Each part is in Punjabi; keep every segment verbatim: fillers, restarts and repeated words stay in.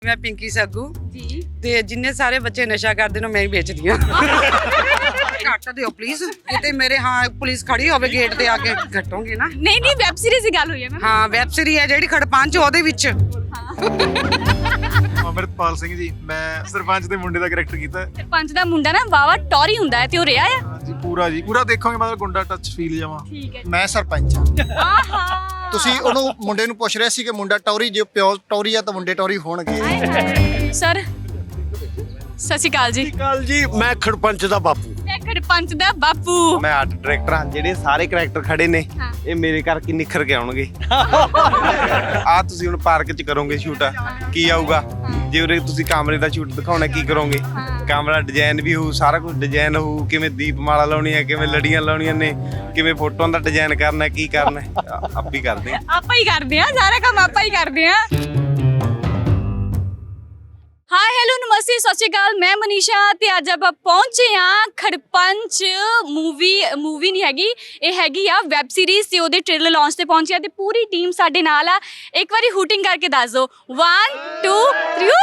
मैं पिंकी सग्गू जी ते जिन्ने सारे बच्चे नशा करते ने मैं ही बेचदी हां घट दिओ प्लीज किते मेरे हां पुलिस खड़ी होवे गेट ते आके घटोगे ना नहीं नहीं वेब सीरीज की गल हुई है मैम हां वेब सीरीज है जेडी खड़पंच ओदे विच ਅਮਰਤਪਾਲ ਸਿੰਘ ਜੀ ਮੈਂ ਸਰਪੰਚ ਦੇ ਮੁੰਡੇ ਦਾ ਕੈਰੈਕਟਰ ਕੀਤਾ ਸਰਪੰਚ ਦਾ ਮੁੰਡਾ ਨਾ ਵਾਵਾ ਟੌਰੀ ਹੁੰਦਾ ਹੈ ਤੇ ਉਹ ਰਿਹਾ ਆ ਹਾਂਜੀ ਪੂਰਾ ਜੀ ਪੂਰਾ ਦੇਖੋਗੇ ਮਤਲਬ ਗੁੰਡਾ ਟੱਚ ਫੀਲ ਜਾਵਾਂ ਠੀਕ ਹੈ ਮੈਂ ਸਰਪੰਚ ਹਾਂ ਆਹਾ ਤੁਸੀਂ ਉਹਨੂੰ ਮੁੰਡੇ ਨੂੰ ਪੁੱਛ ਰਹੇ ਸੀ ਕਿ ਮੁੰਡਾ ਟੌਰੀ ਜੇ ਪਿਓ ਟੌਰੀ ਆ ਤਾਂ ਮੁੰਡੇ ਟੌਰੀ ਹੋਣਗੇ ਸਰ ਸਤਿ ਸ਼੍ਰੀ ਅਕਾਲ ਜੀ ਕਾਲ ਜੀ ਮੈਂ ਖੜਪੰਚ ਦਾ ਬਾਪੂ ਮੈਂ ਖੜਪੰਚ ਦਾ ਬਾਪੂ ਮੈਂ ਆਰਟ ਡਾਇਰੈਕਟਰ ਹਾਂ ਜਿਹੜੇ ਸਾਰੇ ਕੈਰੈਕਟਰ ਖੜੇ ਨੇ ਹਾਂ। ਇਹ ਮੇਰੇ ਕਰਕੇ ਨਿਖਰ ਕੇ ਆਉਣਗੇ ਆ ਤੁਸੀਂ ਹੁਣ ਪਾਰਕ 'ਚ ਕਰੋਗੇ ਸ਼ੂਟ ਕੀ ਆਊਗਾ ਜੇ ਉਰੇ ਤੁਸੀਂ ਕੈਮਰੇ ਦਾ ਸ਼ੂਟ ਦਿਖਾਉਣਾ ਕੀ ਕਰੋਗੇ ਕੈਮਰਾ ਡਿਜ਼ਾਈਨ ਵੀ ਹੋਊ ਸਾਰਾ ਕੁਝ ਡਿਜ਼ਾਈਨ ਹੋਊ ਕਿਵੇਂ ਦੀਪਮਾਲਾ ਲਾਉਣੀ ਹੈ ਕਿਵੇਂ ਲੜੀਆਂ ਲਾਉਣੀਆਂ ਨੇ ਕਿਵੇਂ ਫੋਟੋਆਂ ਦਾ ਡਿਜ਼ਾਈਨ ਕਰਨਾ ਕੀ ਕਰਨਾ ਆਪ ਹੀ ਕਰਦੇ ਆਪਾਂ ਹੀ ਕਰਦੇ ਆ ਸਾਰਾ ਕੰਮ ਆਪਾਂ ਹੀ ਕਰਦੇ ਆ ਹਾਈ ਹੈਲੋ ਨਮਸਤੇ ਸਤਿ ਸ਼੍ਰੀ ਅਕਾਲ ਮੈਂ ਮਨੀਸ਼ਾ ਤੇ ਅੱਜ ਆਪਾਂ ਪਹੁੰਚੇ ਆ ਖੜਪੰਚ ਮੂਵੀ ਮੂਵੀ ਨਹੀਂ ਹੈਗੀ ਇਹ ਹੈਗੀ ਆ ਵੈਬ ਸੀਰੀਜ਼ ਤੇ ਉਹਦੇ ਟ੍ਰੇਲਰ ਲਾਂਚ ਤੇ ਪਹੁੰਚਿਆ ਤੇ ਪੂਰੀ ਟੀਮ ਸਾਡੇ ਨਾਲ ਆ ਇੱਕ ਵਾਰੀ ਹੂਟਿੰਗ ਕਰਕੇ ਦੱਸ ਦਿਓ वन टू थ्री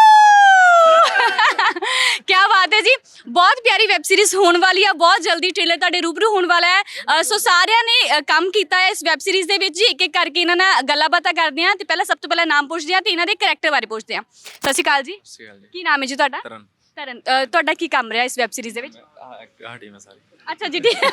क्या बात है जी बहुत प्यारी वैब सीरीज होने वाली है बहुत जल्दी ट्रेलर ਤੁਹਾਡੇ रूबरू होने वाला है सो ਸਾਰਿਆਂ ਨੇ ਕੰਮ ਕੀਤਾ ਹੈ ਇਸ ਵੈਬ ਸੀਰੀਜ਼ ਦੇ ਵਿੱਚ ਜੀ ਇੱਕ ਇੱਕ ਕਰਕੇ ਇਹਨਾਂ ਨਾਲ ਗੱਲਾਂ ਬਾਤਾਂ ਕਰਦੇ ਆ ਤੇ ਪਹਿਲਾਂ ਸਭ ਤੋਂ ਪਹਿਲਾਂ ਨਾਮ ਪੁੱਛਦੇ ਆ ਤੇ ਇਹਨਾਂ ਦੇ ਕੈਰੈਕਟਰ ਬਾਰੇ ਪੁੱਛਦੇ ਆ ਸਤਿ ਸ਼੍ਰੀ ਅਕਾਲ ਜੀ ਕੀ ਨਾਮ ਹੈ ਜੀ ਤੁਹਾਡਾ ਤਰਨ ਤਰਨ ਅ, ਤੁਹਾਡਾ ਕੀ ਕੰਮ ਰਿਹਾ ਇਸ ਵੈਬ ਸੀਰੀਜ਼ ਦੇ ਵਿੱਚ ਆਹ ਟੀਮ ਹੈ ਸਾਰੀ ਅੱਛਾ ਜੀ ਠੀਕ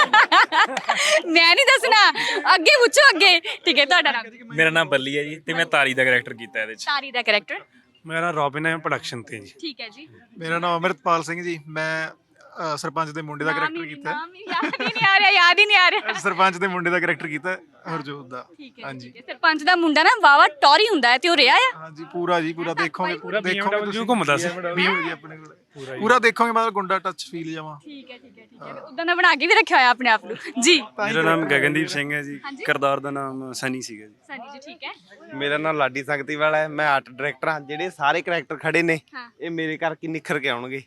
ਮੈਂ ਨਹੀਂ ਦੱਸਣਾ ਅੱਗੇ ਪੁੱਛੋ ਅੱਗੇ ਠੀਕ ਹੈ ਤੁਹਾਡਾ ਨਾਮ ਮੇਰਾ ਨਾਮ ਬੱਲੀ ਹੈ ਜੀ ਤੇ ਮੈਂ ਤਾਰੀ ਦਾ ਕੈਰੈਕਟਰ ਕੀਤਾ ਇਹਦੇ ਵਿੱਚ ਤਾਰੀ ਦਾ ਕੈਰੈਕਟਰ ਮੇਰਾ ਨਾਮ ਰੋਬਿਨ ਹੈ ਪ੍ਰੋਡਕਸ਼ਨ ਤੇ ਜੀ ਠੀਕ ਹੈ ਜੀ ਮੇਰਾ ਨਾਮ ਅਮਰਤਪਾਲ ਸਿੰਘ ਜੀ ਮੈਂ ਅ, ਸਰਪੰਚ ਦੇ ਮੁੰਡੇ ਦਾ ਕੈਰੈਕਟਰ ਕੀਤਾ ਨਾਮ ਹੀ ਯਾਦ ਹੀ ਨਹੀਂ ਆ ਰਿਹਾ ਯਾਦ ਹੀ ਨਹੀਂ ਆ ਰਿਹਾ ਸਰਪੰਚ ਦੇ ਮੁੰਡੇ ਦਾ ਕੈਰੈਕਟਰ ਕੀਤਾ ਹਰਜੋਤ ਦਾ ਠੀਕ ਹੈ ਹਾਂਜੀ ਠੀਕ ਹੈ ਸਰਪੰਚ ਦਾ ਮੁੰਡਾ ਨਾ ਵਾਵਾ ਟੌਰੀ ਹੁੰਦਾ ਹੈ ਤੇ ਉਹ ਰਿਹਾ ਆ ਹਾਂਜੀ ਪੂਰਾ ਜੀ ਪੂਰਾ ਦੇਖੋਗੇ ਪੂਰਾ ਦੇਖੋਗੇ B M W ਘੁੰਮਦਾ ਸੀ। B M W ਜੀ ਆਪਣੇ ਕੋਲ ਪੂਰਾ ਦੇਖੋਗੇ ਮਤਲਬ ਗੁੰਡਾ ਟੱਚ ਫੀਲ ਜਾਵਾਂ ਠੀਕ ਹੈ ਠੀਕ ਹੈ ਠੀਕ ਹੈ ਉਦਾਂ ਦਾ ਬਣਾ ਕੇ ਵੀ ਰੱਖਿਆ ਹੋਇਆ ਆਪਣੇ ਆਪ ਨੂੰ ਜੀ ਮੇਰਾ ਨਾਮ ਗਗਨਦੀਪ ਸਿੰਘ ਹੈ ਜੀ ਹਾਂਜੀ। ਕਰਦਾਰ ਦਾ ਨਾਮ ਸਨੀ ਸੀਗਾ ਜੀ ਸਨੀ ਜੀ ਠੀਕ ਹੈ ਮੇਰਾ ਨਾਮ ਲਾਡੀ ਸੰਗਤੀ ਵਾਲਾ ਹੈ ਮੈਂ ਆਰਟ ਡਾਇਰੈਕਟਰ ਹਾਂ ਜਿਹੜੇ ਸਾਰੇ ਕੈਰੈਕਟਰ ਖੜੇ ਨੇ ਹਾਂ। ਇਹ ਮੇਰੇ ਕਰਕੇ ਨਿਖਰ ਕੇ ਆਉਣਗੇ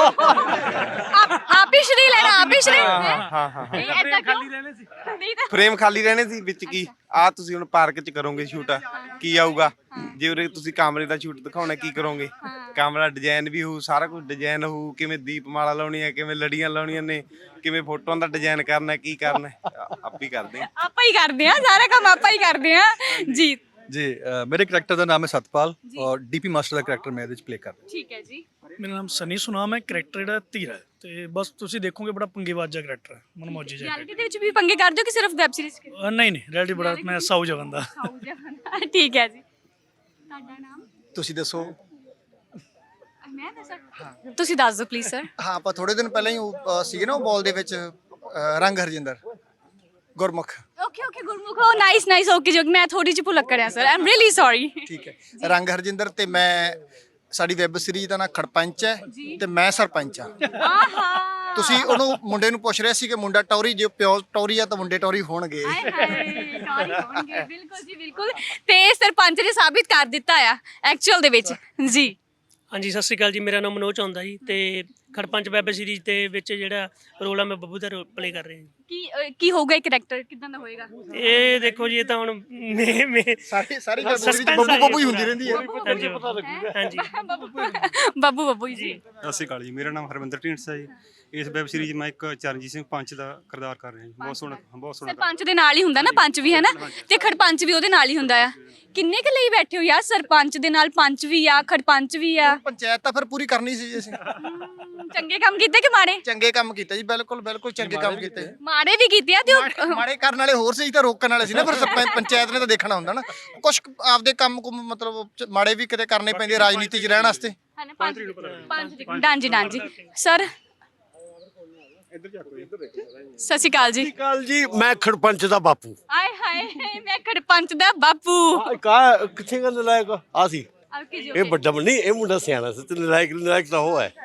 ਆਪ ਆਪ ਹੀ ਸ਼੍ਰੀ ਲੈਣਾ ਆਪ ਹੀ ਸ਼੍ਰੀ ਹਾਂ ਹਾਂ ਹਾਂ ਨਹੀਂ ਐਦਾਂ ਕਿਉਂ ਨਹੀਂ ਤਾਂ ਫਰੇਮ ਖਾਲੀ ਰਹਿਣੇ ਸੀ ਵਿੱਚ ਕੀ ਆ ਤੁਸੀਂ ਹੁਣ ਪਾਰਕ 'ਚ ਕਰੋਗੇ ਸ਼ੂਟ ਕੀ ਆਊਗਾ ਜੇ ਉਰੇ ਤੁਸੀਂ ਕੈਮਰੇ ਦਾ ਸ਼ੂਟ ਦਿਖਾਉਣਾ ਕੀ ਕਰੋਗੇ ਕੈਮਰਾ ਡਿਜ਼ਾਈਨ ਵੀ ਹੋਊ ਸਾਰਾ ਕੁਝ ਡਿਜ਼ਾਈਨ ਹੋਊ ਕਿਵੇਂ ਦੀਪਮਾਲਾ ਲਾਉਣੀ ਹੈ ਕਿਵੇਂ ਲੜੀਆਂ ਲਾਉਣੀਆਂ ਨੇ ਕਿਵੇਂ ਫੋਟੋਆਂ ਦਾ ਡਿਜ਼ਾਈਨ ਕਰਨਾ ਕੀ ਕਰਨਾ ਆਪ ਹੀ ਕਰਦੇ ਆਪਾਂ ਹੀ ਕਰਦੇ ਆ ਸਾਰਾ ਕੰਮ ਆਪਾਂ ਹੀ ਕਰਦੇ ਆ ਜੀ जी अ, मेरे करैक्टर का नाम है सतपाल और डीपी मास्टर का करैक्टर मैं ਇਹਦੇ ਚ ਪਲੇ ਕਰ ਰਿਹਾ ਠੀਕ ਹੈ ਜੀ ਮੇਰਾ ਨਾਮ ਸਨੀ ਸੁਨਾਮ ਹੈ ਕਰੈਕਟਰ ਜਿਹੜਾ ਧੀਰਾ ਹੈ ਤੇ ਬਸ ਤੁਸੀਂ ਦੇਖੋਗੇ ਬੜਾ ਪੰਗੇਬਾਜ਼ ਜਿਹਾ ਕਰੈਕਟਰ ਹੈ ਮਨਮੌਜੀ ਜਿਹਾ ਰਿਐਲਿਟੀ ਦੇ ਵਿੱਚ ਵੀ ਪੰਗੇ ਕਰਦੇ ਹੋ ਕਿ ਸਿਰਫ ਵੈਬ ਸੀਰੀਜ਼ ਅ, ਨਹੀਂ ਨਹੀਂ ਰਿਐਲਿਟੀ ਬੜਾ ਮੈਂ ਸਾਊ ਜਗਨ ਦਾ ਠੀਕ ਹੈ ਜੀ ਤੁਹਾਡਾ ਨਾਮ ਤੁਸੀਂ ਦੱਸੋ ਮੈਂ ਦੱਸਾਂ ਤੁਸੀਂ ਦੱਸ ਦਿਓ ਪਲੀਜ਼ ਸਰ ਹਾਂ ਆਪਾਂ ਥੋੜੇ ਦਿਨ ਪਹਿਲਾਂ ਹੀ ਉਹ, ਅ, ਸੀਗੇ ਨਾ ਉਹ ਬਾਲ ਦੇ ਵਿੱਚ ਅ, ਰੰਗ ਹਰਜਿੰਦਰ ਗੁਰਮੁਖ ਓਕੇ ਓਕੇ ਗੁਰਮੁਖ ਉਹ ਨਾਈਸ ਨਾਈਸ ਓਕੇ ਜੋ ਮੈਂ ਥੋੜੀ ਜਿਹੀ ਭੁਲਕ ਕਰਿਆ sir I am really sorry ਠੀਕ ਹੈ ਰੰਗ ਹਰਜਿੰਦਰ ਤੇ ਮੈਂ ਸਾਡੀ ਵੈਬ ਸੀਰੀਜ਼ ਦਾ ਨਾਂ ਖੜਪੰਚ ਹੈ ਤੇ ਮੈਂ ਸਰਪੰਚ ਹਾਂ ਆਹਾ ਤੁਸੀਂ ਉਹਨੂੰ ਮੁੰਡੇ ਨੂੰ ਪੁੱਛ ਰਹੇ ਸੀ ਕਿ ਮੁੰਡਾ ਟੌਰੀ ਜੇ ਪਿਓ ਟੌਰੀ ਆ ਤਾਂ ਮੁੰਡੇ ਟੌਰੀ ਹੋਣਗੇ ਹਾਏ ਹਾਏ ਟੌਰੀ ਹੋਣਗੇ ਬਿਲਕੁਲ ਜੀ ਬਿਲਕੁਲ ਤੇ ਸਰਪੰਚ ਨੇ ਸਾਬਿਤ ਕਰ ਦਿੱਤਾ ਆ ਐਕਚੁਅਲ ਦੇ ਵਿੱਚ ਜੀ ਹਾਂਜੀ ਸਤਿ ਸ਼੍ਰੀ ਅਕਾਲ ਜੀ ਮੇਰਾ ਨਾਮ ਮਨੋਜ ਆਉਂਦਾ ਜੀ ਤੇ ਖੜਪੰਚ ਵੈਬ ਸੀਰੀਜ਼ ਦੇ ਵਿੱਚ ਜਿਹੜਾ ਰੋਲ ਆ ਮੈਂ ਬੱਬੂ ਦਾ ਰੋਲ ਪਲੇ ਕਰ ਰਿਹਾ ਜੀ ਕੀ ਅ, ਕੀ ਹੋਊਗਾ ਇਹ ਕਰੈਕਟਰ ਕਿਦਾਂ ਦਾ ਹੋਏਗਾ ਇਹ ਦੇਖੋ ਜੀ ਇਹ ਤਾਂ ਹੁਣ ਮੇ ਮੇ ਸਾਰੀ ਸਾਰੀ ਗੱਲ Suspense ਬੱਬੂ ਆ ਬੱਬੂ ਹੀ ਜੀ। ਹੁੰਦੀ ਰਹਿੰਦੀ ਹੈ ਹਾਂਜੀ ਹਾਂਜੀ ਬੱਬੂ ਬੱਬੂ ਜੀ ਸਤਿ ਸ਼੍ਰੀ ਅਕਾਲ ਜੀ ਮੇਰਾ ਨਾਮ ਹਰਵਿੰਦਰ ਢੀਂਡਸਾ ਜੀ ਇਸ ਵੈਬ ਸੀਰੀਜ਼ ਮੈਂ ਇੱਕ ਚਰਨਜੀਤ ਸਿੰਘ ਪੰਚ ਦਾ ਕਿਰਦਾਰ ਕਰ ਰਿਹਾ ਜੀ ਬਹੁਤ ਸੋਹਣਾ ਬਹੁਤ ਸੋਹਣਾ ਸਰਪੰਚ ਦੇ ਨਾਲ ਹੀ ਹੁੰਦਾ ਨਾ ਪੰਚ ਵੀ ਹੈ ਨਾ ਤੇ ਖੜਪੰਚ ਵੀ ਉਹਦੇ ਨਾਲ ਹੀ ਹੁੰਦਾ ਆ ਕਿੰਨੇ ਕੁ ਲਈ ਬੈਠੇ ਹੋ ਯਾਰ ਸਰਪੰਚ ਦੇ ਨਾਲ ਪੰਚ ਵੀ ਆ ਖੜਪੰਚ ਵੀ ਆ ਪੰਚਾਇਤ ਤਾਂ ਫਿਰ ਪੂਰੀ ਕਰਨੀ ਸੀ ਜੀ ਅਸੀਂ ਹਮ, ਚੰਗੇ ਕੰਮ ਕੀਤੇ ਕਿ ਮਾੜੇ ਚੰਗੇ ਕੰਮ ਕੀਤੇ ਜੀ ਬਿਲਕੁਲ ਬਿਲਕੁਲ ਚੰਗੇ ਕੰਮ ਕੀਤੇ ਮਾੜੇ ਵੀ ਕੀਤੇ ਆ ਤੇ ਉਹ ਮਾੜੇ- ਮਾੜੇ ਕਰਨ ਵਾਲੇ ਹੋਰ ਸੀ ਤਾਂ ਰੋਕਣ ਵਾਲੇ ਸੀ ਨਾ ਫਿਰ ਸਰਪੰਚ ਪੰਚਾਇਤ ਨੇ ਤਾਂ ਦੇਖਣਾ ਹੁੰਦਾ ਨਾ ਕੁਝ ਆਪਦੇ ਕੰਮ ਕੁਮ ਮਤਲਬ ਚ- ਮਾੜੇ ਵੀ ਕਿਤੇ ਕਰਨੇ ਪੈਂਦੇ ਰਾਜਨੀਤੀ 'ਚ ਰਹਿਣ ਵਾਸਤੇ ਹੈ ਨਾ ਪੰਜ ਪੰਜ ਦੀ ਡਾਂਜੀ ਡਾਂਜੀ ਸਰ ਸਤਿ ਸ਼੍ਰੀ ਅਕਾਲ ਜੀ ਕਾਲ ਜੀ ਮੈਂ ਖੜਪੰਚ ਦਾ ਬਾਪੂ ਆਏ ਹਾਏ ਮੈਂ ਖੜਪੰਚ ਦਾ ਬਾਪੂ ਕਾ ਕਿੱਥੇ ਗੱਲ ਨਲਾਇਕ ਆ ਸੀ ਓਕੇ ਜੀ ਇਹ ਵੱਡਾ ਨਹੀਂ ਇਹ ਮੁੰਡਾ ਸਿਆਣਾ ਸੀ ਤੇ ਨਲਾਇਕ ਨਲਾਇਕ ਤਾਂ ਉਹ ਹੈ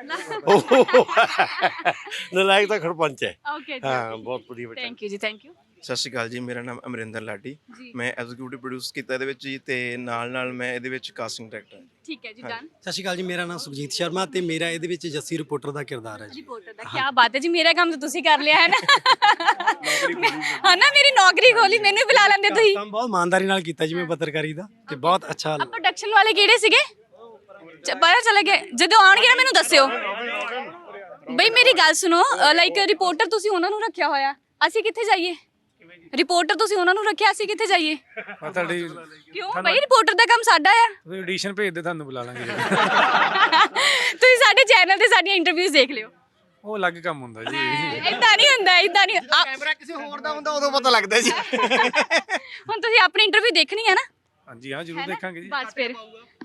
ਨਲਾਇਕ ਤਾਂ ਖੜਪੰਚ ਹੈ ਓਕੇ ਹਾਂ ਬਹੁਤ ਵਧੀਆ ਬੱਚਾ ਥੈਂਕ ਯੂ ਜੀ ਥੈਂਕ ਯੂ ਸਤਿ ਸ਼੍ਰੀ ਅਕਾਲ ਜੀ ਮੇਰਾ ਨਾਮ ਅਮਰਿੰਦਰ ਲਾਡੀ ਜੀ। ਮੈਂ ਐਗਜ਼ੀਕਿਊਟਿਵ ਪ੍ਰੋਡਿਊਸ ਕੀਤਾ ਇਹਦੇ ਵਿੱਚ ਜੀ ਤੇ ਨਾਲ ਨਾਲ ਮੈਂ ਇਹਦੇ ਵਿੱਚ ਕਾਸਟਿੰਗ ਡਾਇਰੈਕਟਰ ਹਾਂ ਠੀਕ ਹੈ ਜੀ ਡਨ ਸਤਿ ਸ਼੍ਰੀ ਅਕਾਲ ਜੀ ਮੇਰਾ ਨਾਮ ਸੁਖਜੀਤ ਸ਼ਰਮਾ ਤੇ ਮੇਰਾ ਇਹਦੇ ਵਿੱਚ ਜੱਸੀ ਰਿਪੋਰਟਰ ਦਾ ਕਿਰਦਾਰ ਹੈ ਜੀ ਰਿਪੋਰਟਰ ਦਾ ਕੀ ਬਾਤ ਹੈ ਜੀ ਮੇਰਾ ਕੰਮ ਤਾਂ ਤੁਸੀਂ ਕਰ ਲਿਆ ਹੈ ਨਾ ਹਾਂ ਨਾ ਮੇਰੀ ਨੌਕਰੀ ਖੋਲੀ ਮੈਨੂੰ ਵੀ ਬੁਲਾ ਲੈਂਦੇ ਤੁਸੀਂ ਕੰਮ ਬਹੁਤ ਇਮਾਨਦਾਰੀ ਨਾਲ ਕੀਤਾ ਜੀ ਮੈਂ ਪੱਤਰਕਾਰੀ ਦਾ ਤੇ ਬਹੁਤ ਅੱਛਾ ਆ ਪ੍ਰੋਡਕਸ਼ਨ ਵਾਲੇ ਕਿਹੜੇ ਸੀਗੇ ਚ- ਪਤਾ ਚੱਲ ਗਿਆ ਜਦੋਂ ਆਉਣਗੇ ਨਾ ਮੈਨੂੰ ਦੱਸਿਓ ਬਈ। ਮੇਰੀ ਗੱਲ ਸੁਣੋ, ਲਾਈਕ ਰਿਪੋਰਟਰ ਤੁਸੀਂ ਉਹਨਾਂ ਨੂੰ ਰੱਖਿਆ ਹੋਇਆ, ਅਸੀਂ ਕਿੱਥੇ ਜਾਈਏ? ਰਿਪੋਰਟਰ ਤੁਸੀਂ ਉਹਨਾਂ ਨੂੰ ਰੱਖਿਆ, ਅਸੀਂ ਕਿੱਥੇ ਜਾਈਏ? ਤੁਹਾਡੀ ਕਿਉਂ ਬਈ? ਰਿਪੋਰਟਰ ਦਾ ਕੰਮ ਸਾਡਾ ਆ। ਤੁਸੀਂ ਆਡੀਸ਼ਨ ਭੇਜ ਦੇ, ਤੁਹਾਨੂੰ ਬੁਲਾ ਲਾਂਗੇ। ਤੁਸੀਂ ਸਾਡੇ ਚੈਨਲ ਤੇ ਸਾਡੀਆਂ ਇੰਟਰਵਿਊਜ਼ ਦੇਖ ਲਿਓ। ਉਹ ਅਲੱਗ ਕੰਮ ਹੁੰਦਾ ਜੀ। ਇਦਾਂ ਨਹੀਂ ਹੁੰਦਾ, ਇਦਾਂ ਨਹੀਂ। ਆ- ਕੈਮਰਾ ਕਿਸੇ ਹੋਰ ਦਾ ਹੁੰਦਾ ਉਦੋਂ ਪਤਾ ਲੱਗਦਾ ਜੀ। ਹੁਣ ਤੁਸੀਂ ਆਪਣੀ ਇੰਟਰਵਿਊ ਦੇਖਣੀ ਹੈ ਨਾ? ਹਾਂਜੀ ਹਾਂ ਜ਼ਰੂਰ ਦੇਖਾਂਗੇ ਜੀ। ਬਸ ਫਿਰ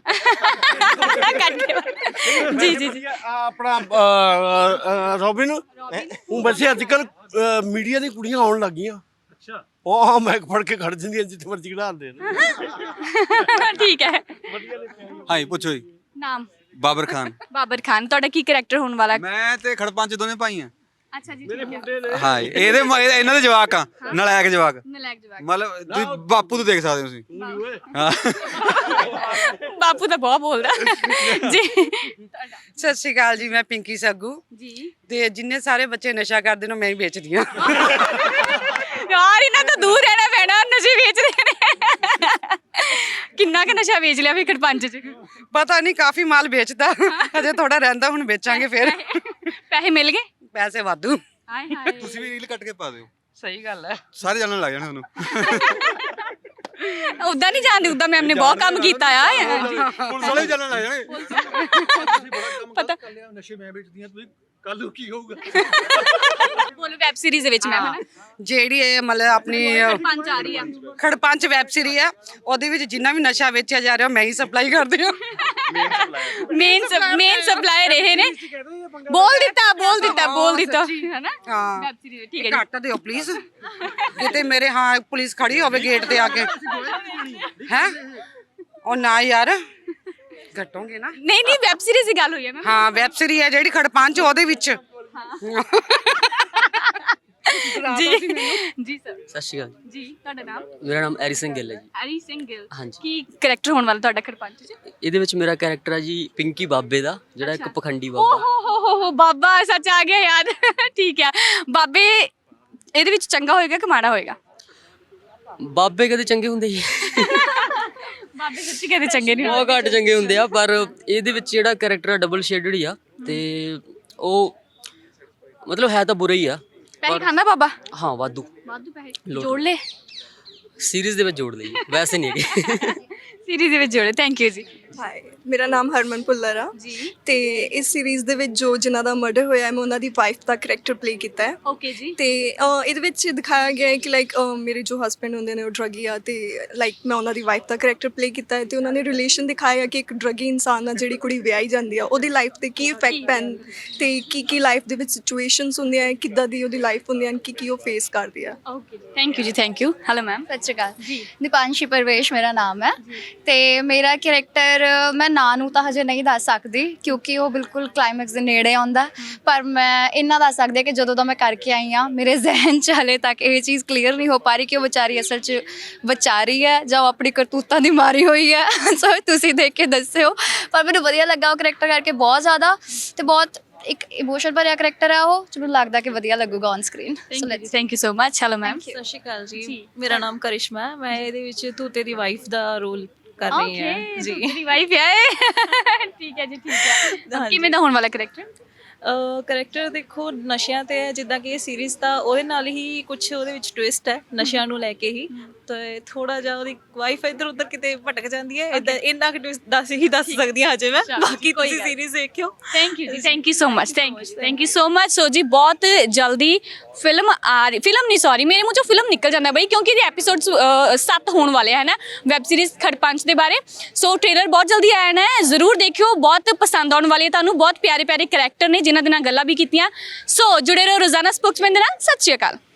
ਕੱਟ ਦਿਓ। ਜੀ ਜੀ ਜੀ। ਆਪਣਾ ਰੋਬਿਨ ਉਹ ਵੈਸੇ ਅੱਜ ਕੱਲ ਮੀਡੀਆ ਦੀ ਕੁੜੀਆਂ ਆਉਣ ਲੱਗ ਗਈਆਂ। ਅੱਛਾ। ਉਹ ਮੈਂ ਫੜ ਕੇ ਖੜ ਜਾਂਦੀਆਂ ਜਿੱਥੇ ਮਰਜ਼ੀ ਖੜਾਉਂਦੇ ਨੇ। ਠੀਕ ਹੈ। ਹਾਂਜੀ ਪੁੱਛੋ ਜੀ। ਨਾਮ? ਬਾਬਰ ਖਾਨ। ਬਾਬਰ ਖਾਨ। ਤੁਹਾਡਾ ਕੀ ਕਰੈਕਟਰ ਹੋਣ ਵਾਲਾ? ਮੈਂ ਤੇ ਖੜਪੰਚ ਦੋਨੇ ਭਾਈ ਆ। ਅੱਛਾ ਜੀ, ਠੀਕ ਹੈ। ਹਾਂ ਇਹਦੇ ਮ- ਇਹ- ਇਹਨਾਂ ਦੇ ਜਵਾਕ ਆ, ਨਲਾਇਕ ਜਵਾਕ। ਨਲਾਇਕ ਜਵਾਕ। ਮਤਲਬ ਤੁਸੀਂ ਬਾਪੂ ਤੋਂ ਦੇਖ ਸਕਦੇ ਹੋ ਤੁਸੀਂ। ਹਾਂ ਬਾਪੂ ਤਾਂ ਬਹੁਤ ਬੋਲਦਾ ਜੀ। ਸਤਿ ਸ਼੍ਰੀ ਅਕਾਲ ਜੀ, ਮੈਂ ਪਿੰਕੀ ਸੱਗੂ ਜੀ ਤੇ ਜਿੰਨੇ ਸਾਰੇ ਬੱਚੇ ਨਸ਼ਾ ਕਰਦੇ ਨੇ ਮੈਂ ਹੀ ਵੇਚਦੀ ਹਾਂ। ਯਾਰ ਇਹਨਾਂ ਤੋਂ ਦੂਰ ਰਹਿਣਾ ਪੈਣਾ, ਨਸ਼ੇ ਵੇਚਦੇ ਨੇ। ਕਿੰਨਾ ਕੁ ਨਸ਼ਾ ਵੇਚ ਲਿਆ ਫਿਰ ਪੰਜ ਚ? ਪਤਾ ਨਹੀਂ, ਕਾਫੀ ਮਾਲ ਵੇਚਦਾ, ਅਜੇ ਥੋੜਾ ਰਹਿੰਦਾ, ਹੁਣ ਵੇਚਾਂਗੇ ਫਿਰ। ਪੈਸੇ ਮਿਲ ਗਏ? ਪੈਸੇ ਵਾਧੂ। ਹਾਏ ਹਾਏ। ਤੁਸੀਂ ਵੀ ਰੀਲ ਕੱਟ ਕੇ ਪਾ ਦਿਓ, ਸਹੀ ਗੱਲ ਹੈ। ਸਾਰੇ ਜਾਣਨ ਲੱਗ ਜਾਣੇ ਤੁਹਾਨੂੰ। ਉਦਾਂ ਨਹੀਂ ਜਾਣਦੇ, ਉਦਾਂ ਮੈਮ ਨੇ ਬਹੁਤ ਕੰਮ ਕੀਤਾ ਆ। ਪੁਲਿਸ ਵਾਲੇ ਵੀ ਜਾਣਨ ਲੱਗ ਜਾਣੇ। ਪਤਾ ਨਸ਼ੇ ਮੈਂ ਵੇਚਦੀ ਆ, ਤੁਸੀਂ ਕੱਲ ਨੂੰ ਕੀ ਹੋਊਗਾ? ਬੋਲੋ ਵੈਬ ਸੀਰੀਜ਼ ਦੇ ਵਿੱਚ ਮੈਮ ਹੈ ਜਿਹੜੀ ਇਹ ਮਤਲਬ ਆਪਣੀ ਪੰਜ ਆ ਰਹੀ ਆ। ਖੜਪੰਚ ਵੈਬ ਸੀਰੀ ਆ, ਉਹਦੇ ਵਿੱਚ ਜਿੰਨਾ ਵੀ ਨਸ਼ਾ ਵੇਚਿਆ ਜਾ ਰਿਹਾ ਮੈਂ ਹੀ ਸਪਲਾਈ ਕਰਦੀ ਹਾਂ। ਮੇਨ ਮੇਨ ਸਪਲਾਇਰ ਇਹ ਨੇ। ਬੋਲ ਦਿੱਤਾ ਬੋਲ ਦਿੱਤਾ ਬੋਲ ਦਿੱਤਾ ਹੈ ਨਾ? ਹਾਂ, ਵੈਬ ਸੀਰੀਜ਼ ਠੀਕ ਹੈ ਜੀ। ਘੱਟ ਦਿਓ ਪਲੀਜ਼, ਕਿਤੇ ਮੇਰੇ ਹਾਂ ਪੁਲਿਸ ਖੜੀ ਹੋਵੇ ਗੇਟ ਤੇ ਆ ਕੇ। ਹੈ ਉਹ ਨਾ ਯਾਰ, ਘਟੋਗੇ ਨਾ। ਨਹੀਂ ਨਹੀਂ, ਵੈਬ ਸੀਰੀਜ਼ ਦੀ ਗੱਲ ਹੋਈ ਹੈ ਮੈਮ। ਹਾਂ, ਵੈਬ ਸੀਰੀ ਹੈ ਜਿਹੜੀ ਖੜਪੰਚ, ਉਹਦੇ ਵਿੱਚ। ਜੀ ਜੀ ਸਰ। ਸਤਿ ਸ਼੍ਰੀ ਅਕਾਲ ਜੀ, ਤੁਹਾਡਾ ਨਾਮ? ਮੇਰਾ ਨਾਮ ਐਰੀ ਸਿੰਘ ਗਿੱਲ ਹੈ ਜੀ। ਹਰੀ ਸਿੰਘ ਗਿੱਲ। ਹਾਂਜੀ। ਕੀ ਕਰੈਕਟਰ ਹੋਣ ਵਾਲਾ ਤੁਹਾਡਾ ਖੜਪੰਚ ਚ? ਇਹਦੇ ਵਿੱਚ ਮੇਰਾ ਕੈਰੈਕਟਰ ਹੈ ਜੀ ਪਿੰਕੀ ਬਾਬੇ ਦਾ, ਜਿਹੜਾ ਇੱਕ ਪਖੰਡੀ ਓ ਬਾਬਾ। ਹੋ ਹੋ ਹੋ ਹੋ, ਬਾਬਾ ਸੱਚ ਆ ਗਿਆ ਯਾਦ। ਠੀਕ ਹੈ। ਬਾਬੇ ਇਹਦੇ ਵਿੱਚ ਚੰਗਾ ਹੋਏਗਾ ਕਿ ਮਾੜਾ ਹੋਏਗਾ? ਬਾਬੇ ਕਦੇ ਚੰਗੇ ਹੁੰਦੇ ਜੀ? ਬਾਬੇ ਸੱਚੀ ਕਹਿੰਦੇ ਚੰਗੇ ਨਹੀਂ ਬਹੁਤ ਘੱਟ ਚੰਗੇ ਹੁੰਦੇ ਆ, ਪਰ ਇਹਦੇ ਵਿੱਚ ਜਿਹੜਾ ਕੈਰੈਕਟਰ ਆ ਡਬਲ ਸ਼ੇਡਡ ਹੀ ਆ, ਤੇ ਉਹ ਮਤਲਬ ਹੈ ਤਾਂ ਬੁਰਾ ਹੀ ਆ। ਪੈਸੇ ਖਾਂਦਾ ਬਾਬਾ? ਹਾਂ ਵਾਧੂ ਵਾਧੂ ਪੈਸੇ ਲੋੜ। ਜੋੜ ਲੈ। ਸੀਰੀਜ਼ ਦੇ ਵਿੱਚ ਜੋੜ ਲਈ, ਵੈਸੇ ਨਹੀਂ ਹੈਗੇ। ਸੀਰੀਜ਼ ਦੇ ਵਿੱਚ ਜੋੜੇ। ਥੈਂਕ ਯੂ ਜੀ। ਹਾਏ, ਮੇਰਾ ਨਾਮ ਹਰਮਨ ਭੁੱਲਰ ਆ ਜੀ। ਤੇ ਇਸ ਸੀਰੀਜ਼ ਦੇ ਵਿੱਚ ਜੋ ਜਿਨ੍ਹਾਂ ਦਾ ਮਰਡਰ ਹੋਇਆ ਹੈ, ਮੈਂ ਉਹਨਾਂ ਦੀ ਵਾਈਫ ਦਾ ਕਰੈਕਟਰ ਪਲੇ ਕੀਤਾ ਹੈ। ਓਕੇ ਜੀ। ਤੇ ਅ, ਇਹਦੇ ਵਿੱਚ ਦਿਖਾਇਆ ਗਿਆ ਹੈ ਕਿ ਲਾਈਕ ਮੇਰੇ ਜੋ ਹਸਬੈਂਡ ਹੁੰਦੇ ਨੇ ਉਹ ਡਰੱਗੀ ਆ, ਤੇ ਲਾਈਕ ਮੈਂ ਉਹਨਾਂ ਦੀ ਵਾਈਫ ਦਾ ਕਰੈਕਟਰ ਪਲੇ ਕੀਤਾ ਹੈ, ਤੇ ਉਹਨਾਂ ਨੇ ਰਿਲੇਸ਼ਨ ਦਿਖਾਇਆ ਕਿ ਇੱਕ ਡਰੱਗੀ ਇਨਸਾਨ ਨਾਲ ਜਿਹੜੀ ਕੁੜੀ ਵਿਆਹੀ ਜਾਂਦੀ ਆ, ਉਹਦੀ ਲਾਈਫ ਤੇ ਕੀ ਇਫੈਕਟ ਪੈਣ, ਤੇ ਕੀ ਕੀ ਲਾਈਫ ਦੇ ਵਿੱਚ ਸਿਚੁਏਸ਼ਨਸ ਹੁੰਦੀਆਂ ਹੈ, ਕਿੱਦਾਂ ਦੀ ਉਹਦੀ ਲਾਈਫ ਹੁੰਦੀ ਹੈ, ਕੀ ਕੀ ਉਹ ਫੇਸ ਕਰਦੀ ਆ। ਓਕੇ, ਥੈਂਕ ਯੂ ਜੀ, thank you. Hello ma'am. Sat Sri ਅਕਾਲ ਜੀ। ਦੀਪਾਂਸ਼ੀ ਪਰਵੇਸ਼ ਮੇਰਾ ਨਾਮ ਹੈ, ਤੇ ਮੇਰਾ ਕਰੈਕਟਰ ਮੈਂ ਨਾਂ ਨੂੰ ਤਾਂ ਹਜੇ ਨਹੀਂ ਦੱਸ ਸਕਦੀ ਕਿਉਂਕਿ ਉਹ ਬਿਲਕੁਲ ਕਲਾਈਮੈਕਸ ਦੇ ਨੇੜੇ ਆਉਂਦਾ, ਪਰ ਮੈਂ ਇੰਨਾ ਦੱਸ ਸਕਦੀ ਹਾਂ ਕਿ ਜਦੋਂ ਦਾ ਮੈਂ ਕਰਕੇ ਆਈ ਹਾਂ ਮੇਰੇ ਜ਼ਿਹਨ 'ਚ ਹਲੇ ਤੱਕ ਇਹ ਚੀਜ਼ ਕਲੀਅਰ ਨਹੀਂ ਹੋ ਪਾ ਰਹੀ ਕਿ ਉਹ ਵਿਚਾਰੀ ਅਸਲ 'ਚ ਵਿਚਾਰੀ ਹੈ ਜਾਂ ਉਹ ਆਪਣੀ ਕਰਤੂਤਾਂ ਦੀ ਮਾਰੀ ਹੋਈ ਹੈ। ਸੋ ਤੁਸੀਂ ਦੇਖ ਕੇ ਦੱਸਿਓ, ਪਰ ਮੈਨੂੰ ਵਧੀਆ ਲੱਗਾ ਉਹ ਕਰੈਕਟਰ ਕਰਕੇ ਬਹੁਤ ਜ਼ਿਆਦਾ, ਤੇ ਬਹੁਤ ਇੱਕ ਇਮੋਸ਼ਨ ਭਰਿਆ ਕਰੈਕਟਰ ਹੈ ਉਹ, ਮੈਨੂੰ ਲੱਗਦਾ ਕਿ ਵਧੀਆ ਲੱਗੂਗਾ on screen. So let's thank you so much. Hello ma'am. Sat Sri ਅਕਾਲ ਜੀ, ਮੇਰਾ ਨਾਮ ਕਰਿਸ਼ਮਾ ਹੈ, ਮੈਂ ਇਹਦੇ ਵਿੱਚ ਤੂਤੇ ਦੀ ਵਾਈਫ ਦਾ ਰੋਲ ਕਰ ਰਹੀ ਹਾਂ ਜੀ। ਮੇਰੀ ਵਾਈਫ ਹੈ। ਠੀਕ ਹੈ ਜੀ, ਠੀਕ ਹੈ। ਕਿਵੇਂ ਦਾ ਹੋਣ ਵਾਲਾ ਕਰੈਕਟਰ? ਕਰੈਕਟਰ ਦੇਖੋ ਨਸ਼ਿਆਂ ਤੇ ਹੈ, ਜਿੱਦਾਂ ਕਿ ਇਹ ਸੀਰੀਜ਼ ਤਾਂ ਉਹਦੇ ਨਾਲ ਹੀ ਕੁਝ ਉਹਦੇ ਵਿੱਚ ਟਵਿਸਟ ਹੈ ਨਸ਼ਿਆਂ ਨੂੰ ਲੈ ਕੇ ਹੀ, ਤੇ ਥੋੜਾ ਜਿਹਾ ਉਹਦੀ ਵਾਈਫ ਇੱਧਰ ਉੱਧਰ ਕਿਤੇ ਭਟਕ ਜਾਂਦੀ ਹੈ, ਇਦਾਂ ਇੰਨਾ ਕਿ twist ਦੱਸ ਹੀ ਦੱਸ ਸਕਦੀ ਹਾਂ ਹਜੇ ਮੈਂ, ਬਾਕੀ ਤੁਸੀਂ ਸੀਰੀਜ਼ ਦੇਖਿਓ। ਥੈਂਕ ਯੂ ਜੀ, thank you so much, thank you thank you so much. So ਜੀ ਬਹੁਤ ਜਲਦੀ ਫਿਲਮ ਆ ਰਹੀ, ਫਿਲਮ ਨਹੀਂ ਸੌਰੀ ਮੇਰੇ ਮੂੰਹ ਚੋਂ ਫਿਲਮ ਨਿਕਲ ਜਾਂਦਾ ਬਈ, ਕਿਉਂਕਿ ਇਹਦੇ ਐਪੀਸੋਡਸ ਸੱਤ ਹੋਣ ਵਾਲੇ ਹੈ ਨਾ ਵੈਬ ਸੀਰੀਜ਼ ਖੜਪੰਚ ਦੇ ਬਾਰੇ। ਸੋ ਟ੍ਰੇਲਰ ਬਹੁਤ ਜਲਦੀ ਆਣਾ ਹੈ, ਜ਼ਰੂਰ ਦੇਖਿਓ, ਬਹੁਤ ਪਸੰਦ ਆਉਣ ਵਾਲੀ ਹੈ ਤੁਹਾਨੂੰ। ਬਹੁਤ ਪਿਆਰੇ ਪਿਆਰੇ ਕਰੈਕਟਰ ਨੇ ਜਿਨ੍ਹਾਂ ਦੇ ਨਾਲ ਗੱਲਾਂ ਵੀ ਕੀਤੀਆਂ। ਸੋ ਜੁੜੇ ਰਹੋ ਰੋਜ਼ਾਨਾ ਸਪੋਕਸਮੈਨ ਦੇ ਨਾਲ। ਸਤਿ ਸ਼੍ਰੀ ਅਕਾਲ।